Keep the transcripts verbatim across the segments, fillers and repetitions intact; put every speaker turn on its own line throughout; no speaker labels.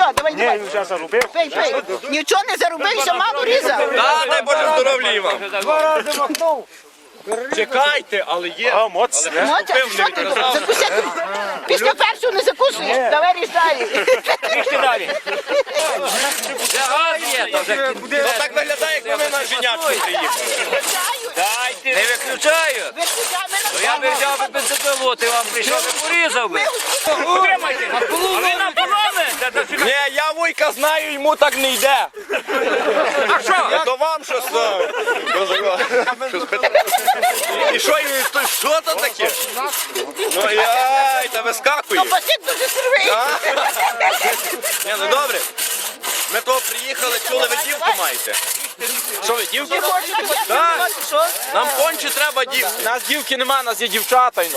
Все, давай,
Ні,
давай.
він вже заробив.
Пий, пий. Нічого не заробив, ще мало різав.
Та, дай Боже здоров'я вам.
Два рази махнув.
Чекайте, але є.
А, моц.
Мотя, що ти думав? Закусити. Після першого не закусуєш. Давай ріж далі.
Трішки далі.
Де газ є, то вже
Ну так виглядає, як ми на женячку приїхали.
не виключаю. То я би взяв би бензопилу, ти вам прийшов і порізав би.
Утримайте. А ви нам поломи?
Ні, я вуйка знаю, йому так не йде.
А що?
Я то вам що став. І що, і то що то таке? Ну яй, та вискакує.
Басик дуже сирвий.
Ні, ну добре. Ми того приїхали, чули, ви дівку маєте. Що ви, дівки? Так. Нам конче треба дівки.
Нас дівки нема, нас є дівчата. Ну.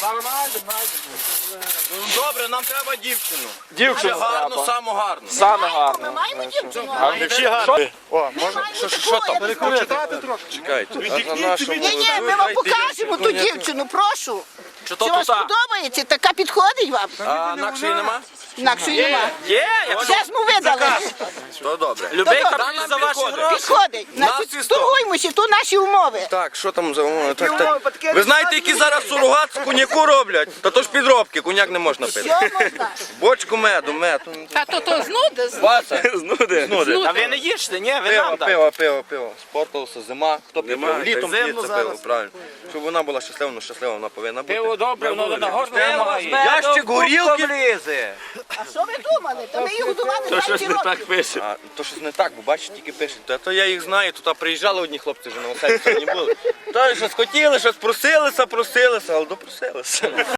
Ну, добре, нам треба дівчину.
Дівчину
Гарну,
треба.
саму гарну.
Саме
Ми
гарно.
маємо дівчину.
Всі гарні. О, можна?
Що, що там?
Чекайте. А на нашому...
Ні, ні, ми вам покажемо ту дівчину, прошу.
Чи
Це
то
вам
тута?
сподобається? Така підходить вам?
А інакшої нема?
Інакшої нема.
Є, якщо
Все ж ми видали.
То добре.
любий
Добре.
капітан за ваші
Підходить.
гроші.
Підходить. Значить,
Нас і сто.
торгуємося, то наші умови.
Так, що там за умови? Так, так. Ви знаєте, які зараз сурогат з коньяку роблять? Та то ж підробки, коньяк не можна пити.
Що можна?
Бочку меду, мед.
Та то то знуди.
Вася, знуди. Знуди.
А ви не їжте, ні, ви
Пиво,
нам дайте.
пиво, пиво, пиво. Спортилося, зима. Хто п'є пиво? Літом
Зимно
п'ється
зараз.
пиво, правильно. Щоб вона була щаслива, ну щаслива вона повинна бути.
Пиво добре, воно на горло
Пиво
вимагає.
Ящик горілки.
влізе.
А що ви думали? Та ми їх годували двадцять років.
пише.
А, то щось не так, бо бачите, тільки пишуть. Та то я їх знаю, тут приїжджали одні хлопці вже на оселі, сьогодні були. Та щось хотіли, щось просилися, просилися, але допросилися.